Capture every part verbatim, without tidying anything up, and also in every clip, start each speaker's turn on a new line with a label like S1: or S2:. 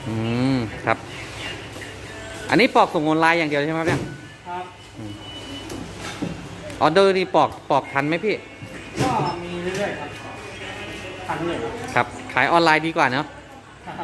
S1: อืมครับ อันนี้ปอกส่งออนไลน์อย่างเดียวใช่ไหมครับเนี่ย
S2: ครับ
S1: ออเดอร์นี่ปอกปอกทันไหมพี่
S2: ก็มีเรื่อยๆครับทันเลยครับ
S1: ครับ ขายออนไลน์ดีกว่าเนาะ
S2: ครับ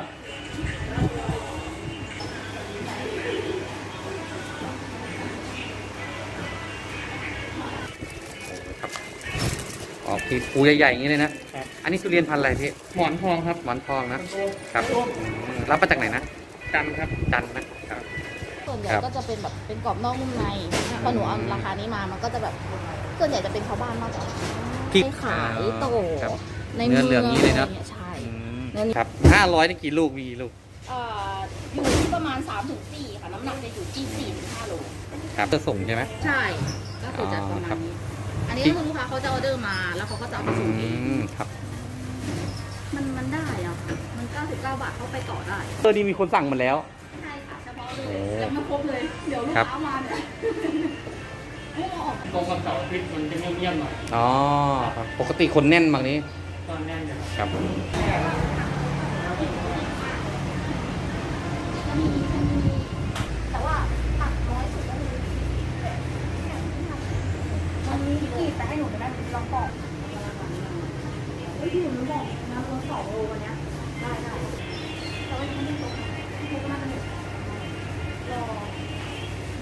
S1: ออกทีปูใหญ่ๆอย่างนี้เลยนะ
S2: ครับ
S1: อันนี้ทุเรียนพันธุ์อะไรพี่
S2: หมอนทองครับ
S1: หมอนทองนะ
S2: โต
S1: ครับอืมรับมาจากไหนนะ
S2: จันทร์ครับ
S1: จันทร์นะครับ
S3: ส่วนใหญ่
S1: ครับ
S3: ก็จะเป็นแบบเป็นกรอบนอกนุ่มในพอหนูเอาราคานี้มามันก็จะแบบส่วนใหญ่จะเป็นชาวบ้านมากกว่า
S1: พริก
S3: ให้ขายโต
S1: ครับ
S3: ใน
S1: เนื้
S3: เมื
S1: อ
S3: อง
S1: เหลืองนี้เลยเนอะ
S3: อไรงี้ใช่
S1: อืม
S3: เนื้อนี้
S1: ครับห้าร้อยนี่กี่ลูกมีกี่ลูก
S3: เอ่ออยู่ที่ประมาณสามถึงสี่ค่ะน้ำหนักจะอยู่ที่สี่ถึงห้าโล
S1: ครับจะส่งใช่ไหม
S3: ใช่ก็คือจะประ
S1: อ๋อ
S3: มา
S1: ครั
S3: ณ
S1: บ
S3: นี้อันนี้ก็คือลูกค้าเขาจะออเดอร์มาแล้วเขาก็จะเอาไป
S1: อื
S3: ส่งเอง
S1: มครับ
S3: มันมันได้อะค่ะมันเก้าสิบเก้าบาทเข้าไปต่อได้
S1: เออนี่มีคนสั่งมาแล้ว
S3: ใช่ค่ะเฉพาะเล
S1: โอ้
S3: ยยังไม่ครบเลยเดี๋ยวลูก
S1: ครับ
S3: ค้ามาเนี่ยไม่เอาออก
S2: ตรงกับเสาร์อาทิตย์มันจะเงียบๆหน่อย
S1: อ๋อครับปกติคนแน่นบางนี้
S2: ตอนแน่นจะครับ
S1: ครับ
S3: จะมีจะมีแต่ว่าตัดน้อยสุดก็คือมันมีกีดแต่ให้หนูไปได้ลองปอกเฮ้ยหนูบอกนะมันสองโลวันเนี้ยได้ได้แต่ว่ายังไม่ได้ตกทุกก็น่าจะหมดรอ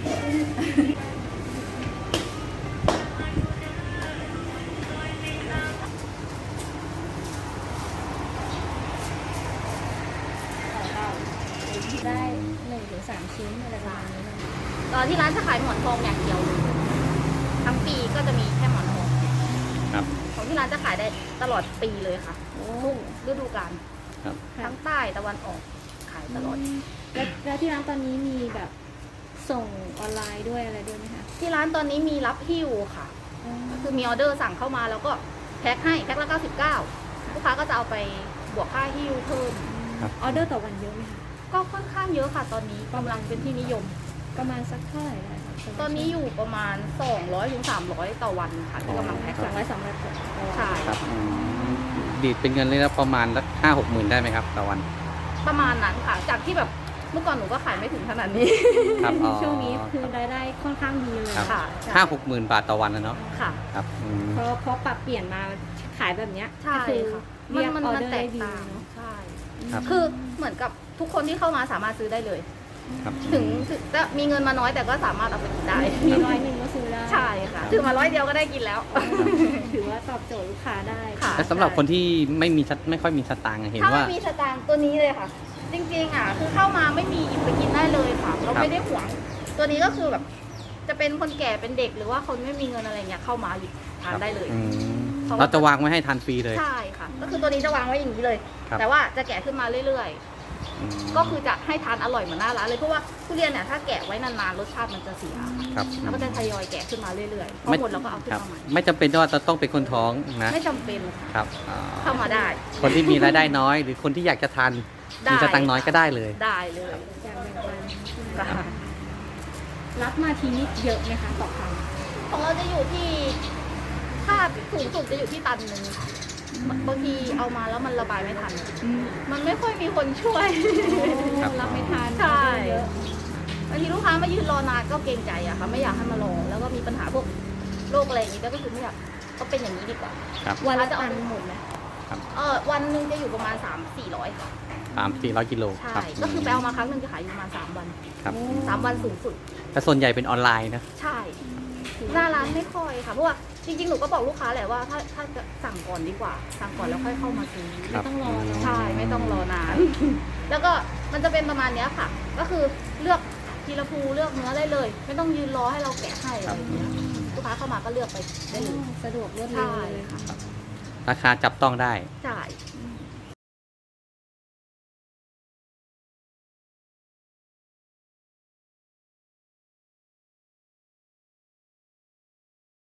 S3: ได้หนึ่งถึงสามชิ้นอะไรประมาณนี้นะคะตอนที่ร้านจะขายหมอนทองอย่างเดียวเลยทั้งปีก็จะมีแค่หมอนทอง
S1: ครับ
S3: ของที่ร้านจะขายได้ตลอดปีเลยค่ะทุกฤดูกาล
S1: ครับ
S3: ทั้งใต้ตะวันออกขายตลอด
S4: แล้วแล้วที่ร้านตอนนี้มีแบบส่งออนไลน์ด้วยอะไรด้วยไหมคะ
S3: ที่ร้านตอนนี้มีรับหิ้วค่ะ ก็คือมีออเดอร์สั่งเข้ามาแล้วก็แพ็คให้แพ็คละเก้าสิบเก้าลูกค้าก็จะเอาไปบวกค่าหิ้วเพิ่ม
S1: ครับ
S4: ออเดอร์ต่อวันเยอะไหมคะ
S3: ก็ค่อนข้างเยอะค่ะตอนนี้กำลังเป็นที่นิยม
S4: ประมาณสักเท่าไหร่ได้คะ
S3: ตอนนี้อยู่ประมาณสองร้อยถึงสามร้อยต่อวันค่ะที่กำลังแพ็ค
S4: สองร้อยสามร้อยกว่า
S3: ใช่
S1: ครับอืมดีดเป็นเงินเลยนะประมาณสักห้าหกหมื่นได้ไหมครับต่อวัน
S3: ประมาณนั้นค่ะ จากที่แบบเมื่อก่อนหนูก็ขายไม่ถึงขนาดนี้
S1: ครับอ๋อ
S4: ช่วงนี้คือรายได้ค่อนข้างดีเลย
S1: ครับ
S3: ค่ะ
S1: ห้าหกหมื่นบาทต่อวันนะเนาะ
S3: ค่ะ
S1: ครับอืม
S4: เพราะเพราะปรับเปลี่ยนมาขายแบบเนี้ย
S3: ใช่
S4: ก็คือ
S3: ค่ะ
S4: เรียก
S3: มัน
S4: ออ
S3: มัน
S4: เดอร์
S3: แต
S4: ได้
S3: ก
S4: ดี
S3: ต่าง
S4: เนาะ
S3: ใช่
S1: ครับ
S3: คือเหมือนกับทุกคนที่เข้ามาสามารถซื้อได้เลย
S1: ครับ
S3: ถึงถึงจะมีเงินมาน้อยแต่ก็สามารถเอาไปกินได้
S4: มีร้อยหนึ่งก็ซื้อได้
S3: ใช่ค่ะถือมาร้อยเดียวก็ได้กินแล้ว
S4: ถือว่าตอบโจทย์ลูกค้าได้
S3: ค่ะ
S1: แล้วสำหรับคนที่ไม่มีสตไม่ค่อยมีสตางค์อะเห็น
S3: ถ้า
S1: ว่า
S3: ไม่มีสตางค์ตัวนี้เลยค่ะ จริงๆอ่ะคือเข้ามาไม่มีหยิบไปกินได้เลยค่ะ เรา
S1: ครับ
S3: ไม่ได้หวง ตัวนี้ก็คือแบบ จะเป็นคนแก่เป็นเด็กหรือว่าคนไม่มีเงินอะไรเงี้ยเข้ามาหยิบทานได้เลย
S1: อืม
S3: เพราะว่า
S1: เราจะวางไว้ให้ทานฟรีเลย
S3: ใช่ค่ะ ก็คือตัวนี้จะวางไว้อย่างนี้เลย
S1: ครับ
S3: แต่ว่าจะแกะขึ้นมาเรื่อย
S1: อืม
S3: ๆ ก็คือจะให้ทานอร่อยเหมือนหน้าร้านเลยเพราะว่าทุเรียนเนี่ยถ้าแกะไว้นานๆรสชาติมันจะเสียค่ะ
S1: ครับ
S3: แล้วก็จะทยอยแกะขึ้นมาเรื่อยๆพอ
S1: ไม่
S3: หมดเราก็เอาขึ้น
S1: ครับ
S3: มาใหม่
S1: ไม่จำเป็นว่าจะต้องเป็นคนท้องนะ
S3: ไม่จำเป็นค่ะ
S1: ครับอ๋อ
S3: เข้ามาได้
S1: คนที่มีรายได้น้อย หรือคนที่อยากจะทาน
S3: ได้
S1: มีสตังค์น้อยก็ได้เลย
S3: ได้เลย
S4: อยากแบ่งปัน
S3: ค่ะ
S4: รับมาทีนี้เยอะไหมคะต่อครั้ง
S3: ของเราจะอยู่ที่ถ้าสูงสุดจะอยู่ที่ตันหนึ่งบางทีเอามาแล้วมันระบายไม่ทัน มันไม่ค่อยมีคนช่วย
S1: ครับ
S4: รับไม่ทัน
S3: ใช่
S4: เยอะ
S3: บางทีลูกค้ามายืนรอนานก็เกรงใจอะค่ะไม่อยากให้มารอแล้วก็มีปัญหาพวกโรคอะไรอย่างนี้ก็คือไม่อยากก็เป็นอย่างนี้ดีกว่า
S1: ครับ
S4: วันละ
S3: จะเอา
S4: ตันหมดไหม
S3: เออวันหนึ่งจะอยู่ประมาณสามสี่ร้อยค่ะ
S1: สามสี่ร้อยกิโล
S3: ใช่
S1: ครับ
S3: ก็คือไปเอามาครั้งหนึ่งจะขายอยู่ประมาณสามวัน
S1: ครับ
S3: สามวันสูงสุด
S1: แต่ส่วนใหญ่เป็นออนไลน์นะ
S3: ใช่หน้าร้านไม่ค่อยค่ะเพราะว่าจริงๆหนูก็บอกลูกค้าแหละว่าถ้าถ้าจะสั่งก่อนดีกว่า สั่งก่อนแล้วค่อยเข้ามาซื้อ
S1: ครับ
S4: ไม่ต้องรอเนอะ
S3: ใช่ไม่ต้องรอนาน แล้วก็มันจะเป็นประมาณเนี้ยค่ะ ก็คือเลือกทีละภูเลือกเนื้อได้เลย ไม่ต้องยืนรอให้เราแกะให้อะไรอย่างเงี้ยลูกค้าเข้ามาก็เลือกไปได้เลย
S4: สะดวกรวดเร็ว
S3: ใช่
S4: เลย
S3: ค่ะ
S1: ราคาจับต้องได้
S3: ใช่
S4: อืม